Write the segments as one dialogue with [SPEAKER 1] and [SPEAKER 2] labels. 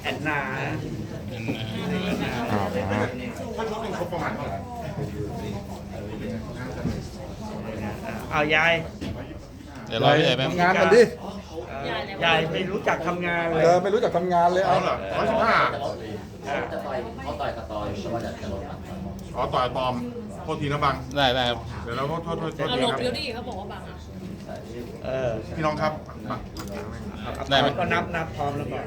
[SPEAKER 1] แอนนา
[SPEAKER 2] อ๋อ
[SPEAKER 3] ถ้าเขาเป็นครบประมาณเท่าไหร่
[SPEAKER 1] เอายาย
[SPEAKER 4] เดี๋ยวรอพี่ใหญ่แป๊บ
[SPEAKER 2] ทำงานกันดิ
[SPEAKER 1] ยายไม่รู้จักทำงานเลย
[SPEAKER 2] ไม่รู้จักทำงานเลย
[SPEAKER 3] เอา
[SPEAKER 2] เอา
[SPEAKER 3] เหรอ115
[SPEAKER 5] จะต่อยเขาต่อยกับต่อยแต่ว่าจะลดน้ำหนัก
[SPEAKER 3] อ๋อต่อยตอมโทษทีนะบัง
[SPEAKER 4] ได้ได้ครับ
[SPEAKER 3] เดี๋ยวเราโทษ
[SPEAKER 6] เอา
[SPEAKER 3] ที
[SPEAKER 6] หลบ
[SPEAKER 3] ครับ
[SPEAKER 6] เดี๋ยวดิเขาบอกว่าบังอ่ะ
[SPEAKER 1] เออ
[SPEAKER 3] พี่น้องครับบัง
[SPEAKER 4] ได้ไหม
[SPEAKER 1] ก็นับพร้อมแล้วก่อน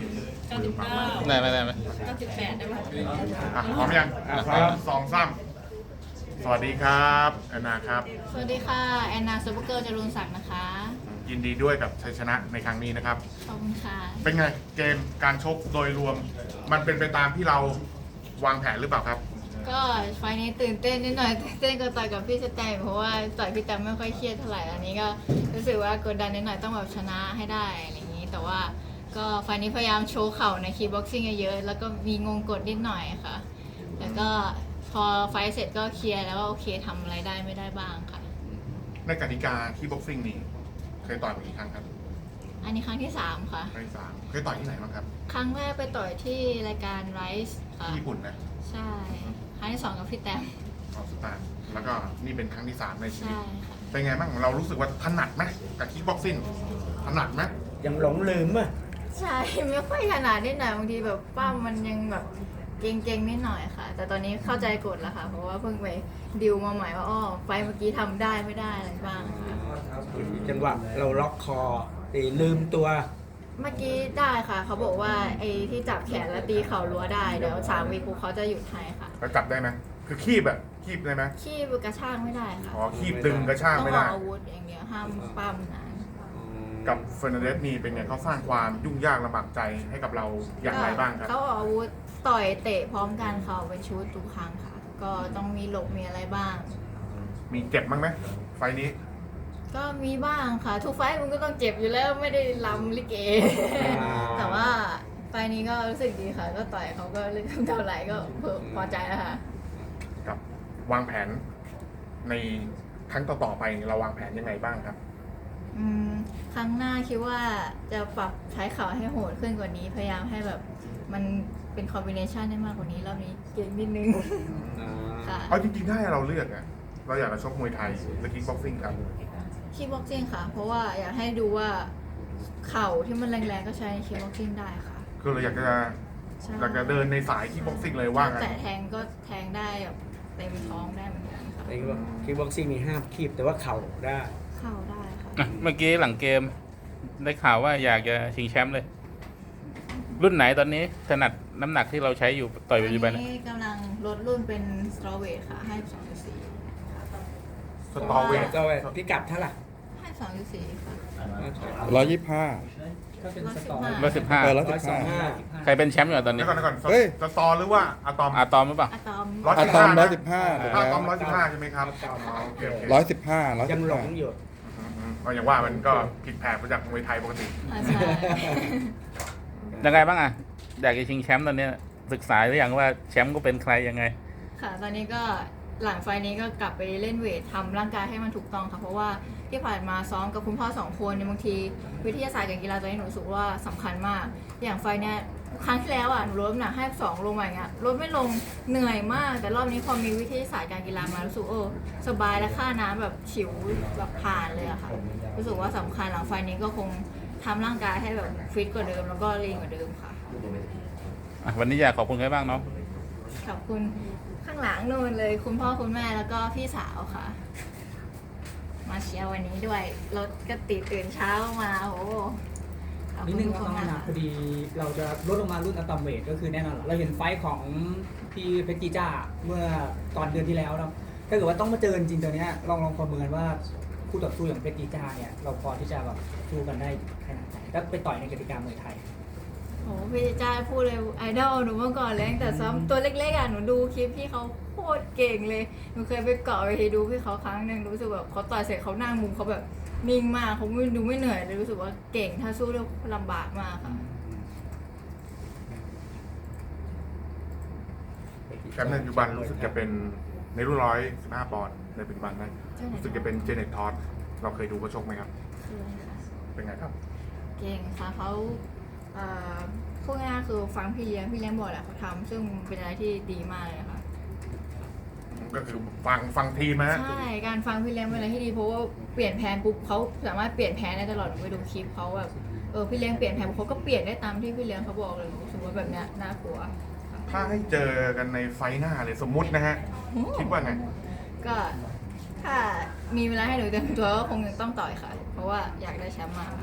[SPEAKER 6] 99
[SPEAKER 4] ได้ไหมได้ไหม
[SPEAKER 6] 98ได้ไหม
[SPEAKER 3] อ่ะพร้อมยัง
[SPEAKER 1] พร้อม
[SPEAKER 3] สองสามสวัสดีครับแอนนาครับ
[SPEAKER 7] สวัสดีค่ะ แอนนาซูเปอร์เกิร์ลจรุนศักดิ์นะคะ
[SPEAKER 3] ยินดีด้วยกับชัยชนะในครั้งนี้นะครับ
[SPEAKER 7] ขอบคุณค่ะ
[SPEAKER 3] เป็นไงเกมการชกโดยรวม มันเป็นไปตามที่เราวางแผนหรือเปล่าครับ
[SPEAKER 7] ก็ไฟล์นี้ตื่นเต้นนิดหน่อยตื่นเต้นก็ต่อยกับพี่สแตมเพราะว่าต่อยพี่แตมไม่ค่อยเครียดเท่าไหร่อันนี้ก็รู้สึกว่ากดดันนิดหน่อยต้องแบบชนะให้ได้อะไรอย่างนี้ แต่ว่าก็ไฟล์นี้พยายามโชว์เข่าในคีบ็อกซิ่งเยอะๆแล้วก็มีงงกดนิดหน่อยค่ะ แล้วก็พอไฟล์เสร็จก็เคลียร์แล้วว่าโอเคทำอะไรได้ไม่ได้บ้างค่ะ
[SPEAKER 3] ในกติกาที่บ็อกซิ่งนี่เคยต่อยมากี่ครั้งครับ
[SPEAKER 7] อันนี้ครั้งที่ 3 ค่ะ
[SPEAKER 3] ครั้งที่สามเคยต่อยที่ไหนบ้างครับ
[SPEAKER 7] ครั้งแรกไปต่อยที่รายการไรซ์ค่ะ
[SPEAKER 3] ที่ญี่ปุ่นนะ
[SPEAKER 7] ใช่ครั้งที่ 2 กับพี่แตม
[SPEAKER 3] ออสตาร์แล้วก็นี่เป็นครั้งที่สามในชีวิต
[SPEAKER 7] ใช่ค่ะ
[SPEAKER 3] เป็นไงบ้างเรารู้สึกว่าถนัดไหมกับคิกบ็อกซิ่งถนัดไหม
[SPEAKER 1] ยังหลงลืมอ่ะ
[SPEAKER 7] ใช่ ไม่ค่อยขนาดนิดหน่อยบางทีแบบป้ามมันยังแบบเก่งๆนิดหน่อยค่ะ แต่ตอนนี้เข้าใจกฎแล้วค่ะ เพราะว่าเพิ่งไปดิวมาใหม่ว่าอ้อไฟล์เมื่อกี้ทำได้ไม่ได้อะไรบ้างค่ะ
[SPEAKER 1] จังหวะเราล็อกคอตีลืมตัว
[SPEAKER 7] เมื่อกี้ได้ค่ะ เขาบอกว่าไอ้ที่จับแขนแล้วตีเข่ารั้วได้เดี๋ยว3 วีปุ๊บเขาจะหยุดให้ค่ะ
[SPEAKER 3] แล้วจับได้ไหมคือคีบอะคีบได้ไหม
[SPEAKER 7] ขี้กระชากไม่ได้ค่ะ
[SPEAKER 3] อ๋อคีบดึงกระชาก
[SPEAKER 7] ต้อง
[SPEAKER 3] ไม่
[SPEAKER 7] อ
[SPEAKER 3] ได้
[SPEAKER 7] อกอาวุธอย่างเดียวห้ามปั้มนะ
[SPEAKER 3] กับเฟอร์นันเดสนี่เป็นไงเขาสร้างความยุ่งยากลำบากใจให้กับเราอย่างไรบ้างครับ
[SPEAKER 7] เขาออกอาวุธต่อยเตะพร้อมกันเขาเป็นชุดทุกครั้งค่ะ ก็ต้องมีหลบมีอะไรบ้าง
[SPEAKER 3] มีเจ็บบ้างไหมไฟล์นี้
[SPEAKER 7] ก็มีบ้างค่ะ ทุกไฟท์มันก็ต้องเจ็บอยู่แล้วไม่ได้ลำลิเก แต่ว่าไฟท์นี้ก็รู้สึกดีค่ะ ก็ต่อยเขาก็เล่นเท่าไหร่ก็พอใจแล้วค่ะ
[SPEAKER 3] กับวางแผนในครั้งต่อๆไปเราวางแผนยังไงบ้างครับ
[SPEAKER 7] ครั้งหน้าคิดว่าจะปรับใช้เข่าให้โหดขึ้นกว่านี้ พยายามให้แบบมันเป็นคอมบิเนชันได้มากกว่านี้รอบนี้เก่งนิดนึงค่ะ
[SPEAKER 3] เอาจริงๆถ้าให้เราเลือกอะเราอยากจะชกมวยไทยหรือคิกบ็อกซิ่งครับ
[SPEAKER 7] คีบ็อกซิ่งค่ะ เพราะว่าอยากให้ดูว่าเข่าที่มันแรงๆก็ใช้ในคีบ็อกซิ่งได้ค่ะ
[SPEAKER 3] คือเราอยากจะ
[SPEAKER 7] ใช่
[SPEAKER 3] เดินในสายคิกบ็อกซิ่งเลยว่างั้น
[SPEAKER 7] แต่แทงก็แทงได้แบบเต็มท้องได้เหมือนกันค่ะ
[SPEAKER 1] ในคิกบ็อกซิ่งมีห้ามคีบแต่ว่าเข่าได้
[SPEAKER 7] เข่าได้ค่ะ
[SPEAKER 4] อ่ะเมื่อกี้หลังเกม ได้ข่าวว่าอยากจะชิงแชมป์เลย รุ่นไหนตอนนี้ถนัดน้ำหนักที่เราใช้อยู่ต่อยปัจจุบัน
[SPEAKER 7] ต
[SPEAKER 4] นะ
[SPEAKER 7] นี้กำลังลดรุ่นเป็นสตรอเวทค่ะ ให้ 2.4
[SPEAKER 3] สตอเวท
[SPEAKER 1] ก็พิกัดเท่าไหร่
[SPEAKER 7] ให้ 2.4 ค่ะ
[SPEAKER 2] 125
[SPEAKER 7] 115
[SPEAKER 4] 115ใครเป็นแชมป์อยู่ตอนนี้
[SPEAKER 3] เดี๋ยวก่อน
[SPEAKER 2] เฮ้ย
[SPEAKER 3] สตอหรือว่าอะตอม
[SPEAKER 4] อาตอมหรือเปล่า
[SPEAKER 7] อะตอม
[SPEAKER 2] อะตอม115ถูก
[SPEAKER 3] อะ
[SPEAKER 2] แล้ว
[SPEAKER 3] ตอม115ใช่ไหมครับอ๋อโอเค
[SPEAKER 2] 115
[SPEAKER 1] ยังหลงอยู่
[SPEAKER 3] ก็อย่างว่ามันก็ผิดแผกมาจากมวยไทยปกติ
[SPEAKER 7] อ่าใช่
[SPEAKER 4] ยังไงบ้างอ่ะ อยากจะชิงแชมป์ตอนนี้ศึกษาหรือยังว่าแชมป์ก็เป็นใครยังไง
[SPEAKER 7] ค่ะ ตอนนี้ก็หลังไฟล์นี้ก็กลับไปเล่นเวททำร่างกายให้มันถูกต้องค่ะ เพราะว่าที่ผ่านมาซ้อมกับคุณพ่อ2 คนเนี่ยบางทีวิทยาศาสตร์การกีฬาตัวนี้หนูรู้สึกว่าสำคัญมาก อย่างไฟล์เนี้ยครั้งที่แล้วอ่ะหนูลดน้ำหนักให้2 ลงมาอย่างเงี้ยลดไม่ลงเหนื่อยมาก แต่รอบนี้พอมีวิทยาศาสตร์การกีฬามารู้สึกสบายและค่าน้ำแบบฉิวแบบผ่านเลยอะค่ะ รู้สึกว่าสำคัญหลังไฟล์นี้ก็คงทำร่างกายให้แบบฟิตกว่าเดิมแล้วก็ลีนกว่าเดิมค่ะ
[SPEAKER 4] วันนี้อยากขอบคุณใครบ้างเนาะ
[SPEAKER 7] ขอบคุณข้างหลังนู่นเลยคุณพ่อคุณแม่แล้วก็พี่สาวค่ะ มาเชียร์วันนี้ด้วยรถก็ติดตื่นเช้ามาโอ้ขอบ
[SPEAKER 8] นิด
[SPEAKER 7] คุณ
[SPEAKER 8] นึง
[SPEAKER 7] ทุก
[SPEAKER 8] อะ
[SPEAKER 7] คน
[SPEAKER 8] ตอม
[SPEAKER 7] มาก
[SPEAKER 8] นะ
[SPEAKER 7] ค่ะ
[SPEAKER 8] พอดีเราจะลดลงมารุ่นอะตอมเวทก็คือแน่นอนเราเห็นไฟท์ของพี่เพชรจีจ้าเมื่อตอนเดือนที่แล้วเนาะถ้าเกิดว่าต้องมาเจอจริงๆตัวเนี้ยลองประเมินว่าคู่ต่อสู้อย่างเพชรจีจ้าเนี่ยเราพอที่จะแบบสู้กันได้ขนาดไหนถ้าไปต่อยในกติกามวยไทย
[SPEAKER 7] โอ้พี่จ้าพูดเลยไอดอลหนูเมื่อก่อนเลยตั้งแต่ซ้อมตัวเล็กๆอ่ะหนูดูคลิปพี่เขาโคตรเก่งเลยหนูเคยไปเกาะเวทีดูพี่เขาครั้งหนึ่งรู้สึกแบบเขาต่อยเสร็จเขานั่งมุมเขาแบบนิ่งมากเขาไม่ดูไม่เหนื่อยเลยรู้สึกว่าเก่งถ้าสู้ได้ลำบากมากค่ะ
[SPEAKER 3] แชมป์ในปัจจุบันรู้สึกจะเป็นในรุ่น115 ปอนด์ในปัจจุบันนะรู้สึกจะเป็นเจเน็ตทอสเราเคยดูเขาชกไหมครับ
[SPEAKER 7] คืออะไรคะ
[SPEAKER 3] เป็นไงครับ
[SPEAKER 7] เก่งค่ะเขาคู่พูดง่ายๆคือฟังพี่เลี้ยงบอกแหละเขาทำซึ่งเป็นอะไรที่ดีมากเลยค่ะ
[SPEAKER 3] ก็คือฟังทีมฮะ
[SPEAKER 7] ใช่การฟังพี่เลี้ยงเป็นอะไรที่ดีเพราะว่าเปลี่ยนแผนปุ๊บเขาสามารถเปลี่ยนแผนได้ตลอดหนูไปดูคลิปเขาแบบพี่เลี้ยงเปลี่ยนแผนเขาก็เปลี่ยนได้ตามที่พี่เลี้ยงเขาบอกเลยหนูรู้สึกว่าแบบเนี้ยน่ากลัว
[SPEAKER 3] ถ้าให้เจอกันในไฟหน้าเลยสมมุตินะฮะ คิดว่าไง
[SPEAKER 7] ก็ถ้ามีเวลาให้หนูเตรียมตัวก็คงยังต้องต่อยค่ะ เพราะว่าอยากได้แชมป์มากค่ะ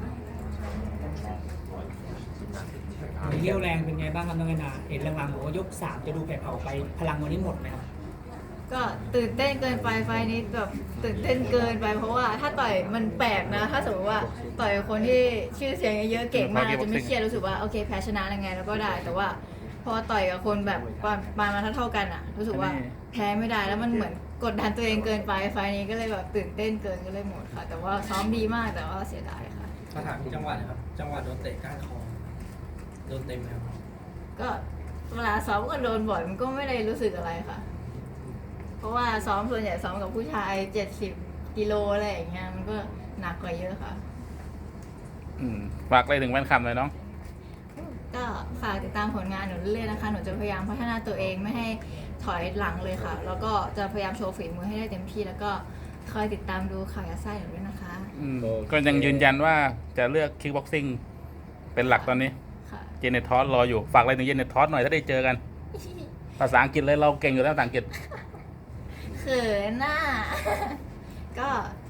[SPEAKER 8] เรี่ยวแรงเป็นไงบ้างครับน้องแอนนาเห็นหลังๆบอกว่ายก 3 จะดูแผ่วๆไปพลังวันนี้หมดไหมครับ
[SPEAKER 7] ก็ตื่นเต้นเกินไปไฟล์นี้แบบตื่นเต้นเกินไปเพราะว่าถ้าต่อยมันแปลกนะ ถ้าสมมติว่าต่อยกับคนที่ชื่อเสียงเยอะๆเก่งมากจะไม่เครียดรู้สึกว่าโอเคแพ้ชนะยังไงแล้วก็ได้ แต่ว่าพอต่อยกับคนแบบประมาณเท่ากันอ่ะ รู้สึกว่าแพ้ไม่ได้แล้วมันเหมือนกดดันตัวเองเกินไปไฟล์นี้ก็เลยแบบตื่นเต้นเกินก็เลยหมดค่ะ แต่ว่าซ้อมดีมากแต่ว่าเสียดายค่ะ
[SPEAKER 1] ถ้าถามจังหวะนะครับ จังหวะโดนเตะก้านคอโดนเต็มไหมครับ
[SPEAKER 7] ก็เวลาซ้อมก็โดนบ่อยมันก็ไม่ได้รู้สึกอะไรค่ะ เพราะว่าซ้อมส่วนใหญ่ซ้อมกับผู้ชาย70 กิโลอะไรอย่างเงี้ยมันก็หนักกว่าเยอะค่ะ
[SPEAKER 4] ฝากอะไรถึงแฟนคลับหน่อยน้อง
[SPEAKER 7] ก็ฝากติดตามผลงานหนูเรื่อยๆนะคะ หนูจะพยายามพัฒนาตัวเองไม่ให้ถอยหลังเลยค่ะ แล้วก็จะพยายามโชว์ฝีมือให้ได้เต็มที่ แล้วก็คอยติดตามดูข่าวยัดไส้หนูด้วยนะคะ
[SPEAKER 4] ก็ยังยืนยันว่าจะเลือกคิกบ็อกซิ่งเป็นหลักตอนนี้
[SPEAKER 7] ค่ะ
[SPEAKER 4] เจเนตทอสรออยู่ ฝากอะไรถึงเจเนตทอสหน่อยถ้าได้เจอกัน ภาษาอังกฤษเลยเราเก่งอยู่แล้วภาษาอังกฤษ
[SPEAKER 7] เขินน่ะ ก็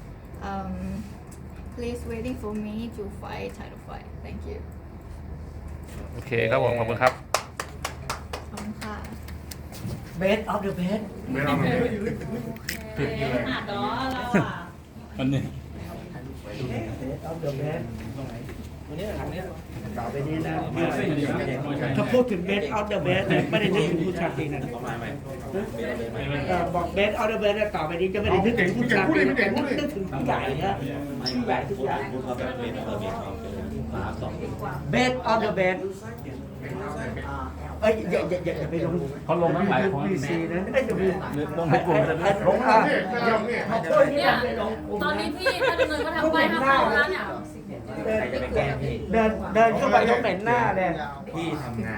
[SPEAKER 7] please waiting for me to fight title fight thank you
[SPEAKER 4] โอเคครับผม ขอบคุณครับ
[SPEAKER 7] ขอบคุณค่ะ
[SPEAKER 1] Best of the best
[SPEAKER 3] ไม่ต้องเลย
[SPEAKER 6] อ่ะเนาะเราอ่ะ
[SPEAKER 4] วันนี้
[SPEAKER 1] Best of the best วันนี้ทางนี้ต่อไปนี้นะถ้าพูดถึง Best of the best เนี่ยไม่ได้นึกถึงผู้ชายนะบอก Best of the best เนี่ยต่อไปนี้จะไม่ได้นึกถึงผู้ชายแต่นึกถึงผู้ใหญ่นะผู้ใหญ่ทุกอย่าง Best of the best เอ้ยอย่าไปลง
[SPEAKER 4] เขาลงทั้งหลายคน
[SPEAKER 1] บีซีนะไม่จะมี
[SPEAKER 4] ลงในกลุ่มจะ
[SPEAKER 1] ลงอ่ะ
[SPEAKER 6] เนี่ยตอนนี้พี่ถ้าดำเนินก็ทำไปทำไปแล้วเนี่ย
[SPEAKER 1] เดินเข้าไปต้องเหม็นหน้าเลย
[SPEAKER 3] พี่ทำงาน